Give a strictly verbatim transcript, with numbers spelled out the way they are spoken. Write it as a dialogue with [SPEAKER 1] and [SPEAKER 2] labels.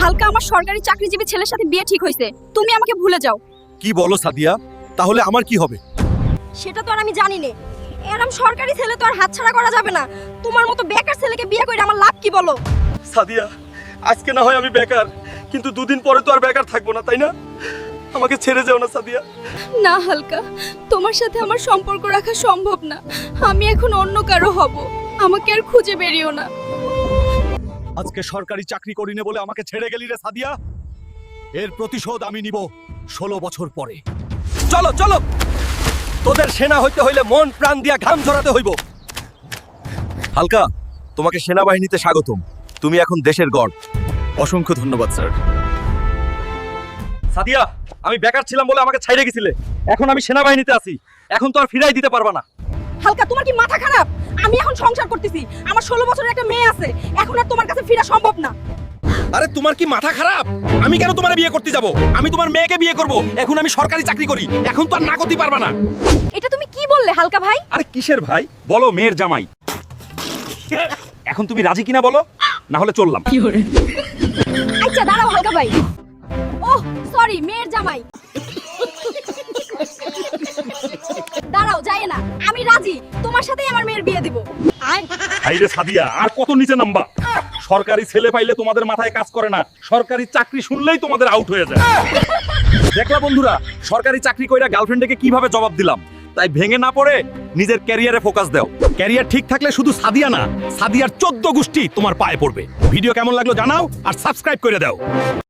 [SPEAKER 1] হালকা আমার সরকারি চাকরিজীবী ছেলের সাথে বিয়ে ঠিক হয়েছে, তুমি আমাকে ভুলে যাও।
[SPEAKER 2] কি বলো সাদিয়া? তাহলে আমার কি হবে?
[SPEAKER 1] সেটা তো আর আমি জানি না। এরম সরকারি ছেলে তো আর হাতছাড়া করা যাবে না। তোমার মতো বেকার ছেলেকে বিয়ে করে আমার লাভ কি বলো?
[SPEAKER 2] সাদিয়া, আজকে না হয় আমি বেকার, কিন্তু দুদিন পরে তো আর বেকার থাকবো না, তাই না? আমাকে ছেড়ে যাও না সাদিয়া।
[SPEAKER 1] না হালকা, তোমার সাথে আমার সম্পর্ক রাখা সম্ভব না। আমি এখন অন্য কারো হব, আমাকে আর খুঁজে বেরিও না।
[SPEAKER 2] আজকে সরকারি চাকরি করি না বলে আমাকে ছেড়ে গেলি রে সাদিয়া। এর প্রতিশোধ আমি নিব ষোলো বছর পরে। চলো চলো, তোদের সেনা হইতে হইলে মন প্রাণ দিয়া ঘাম ঝরাতে হইব। হালকা, তোমাকে সেনাবাহিনীতে স্বাগতম। তুমি এখন দেশের গর্ব। অসংখ্য ধন্যবাদ স্যার। সাদিয়া, আমি বেকার ছিলাম বলে আমাকে ছাইড়ে গেছিলে, এখন আমি সেনাবাহিনীতে আছি, এখন তো আর ফিরাই দিতে পারবা না।
[SPEAKER 1] হালকা, তোমার কি মাথা খারাপ? আমি এখন সংসার করতেছি, আমার ষোলো বছরের একটা মেয়ে আছে, এখন আর তোমার কাছে ফিরা সম্ভব না।
[SPEAKER 2] আরে তোমার কি মাথা খারাপ? আমি কেন তোমার বিয়ে করতে যাব? আমি তোমার মেয়েকে বিয়ে করব। এখন আমি সরকারি চাকরি করি, এখন তো আর না করতে পারবা না।
[SPEAKER 1] এটা তুমি কি বললে হালকা ভাই?
[SPEAKER 2] আরে কিসের ভাই? বলো মেয়ের জামাই। এখন তুমি রাজি কিনা বলো, না হলে চললাম।
[SPEAKER 1] আচ্ছা দাঁড়াও হালকা ভাই। ওহ সরি, মেয়ের জামাই। দাঁড়াও, যায় না, আমি রাজি, তোমার সাথেই আমার মেয়ের বিয়ে দিব।
[SPEAKER 2] আইরে সাদিয়া, আর কত নিচে নামবা? সরকারি ছেলে পাইলে তোমাদের মাথায় কাজ করে না, সরকারি চাকরি শুনলেই তোমাদের আউট হয়ে যায়। দেখলা বন্ধুরা, সরকারি চাকরি কইরা গার্লফ্রেন্ডকে কিভাবে জবাব দিলাম। তাই ভেঙে না পড়ে নিজের ক্যারিয়ারে ফোকাস দাও। ক্যারিয়ার ঠিক থাকলে শুধু সাদিয়া না, সাদিয়ার চোদ্দ গোষ্ঠী তোমার পায়ে পড়বে। ভিডিও কেমন লাগলো জানাও, আর সাবস্ক্রাইব করে দাও।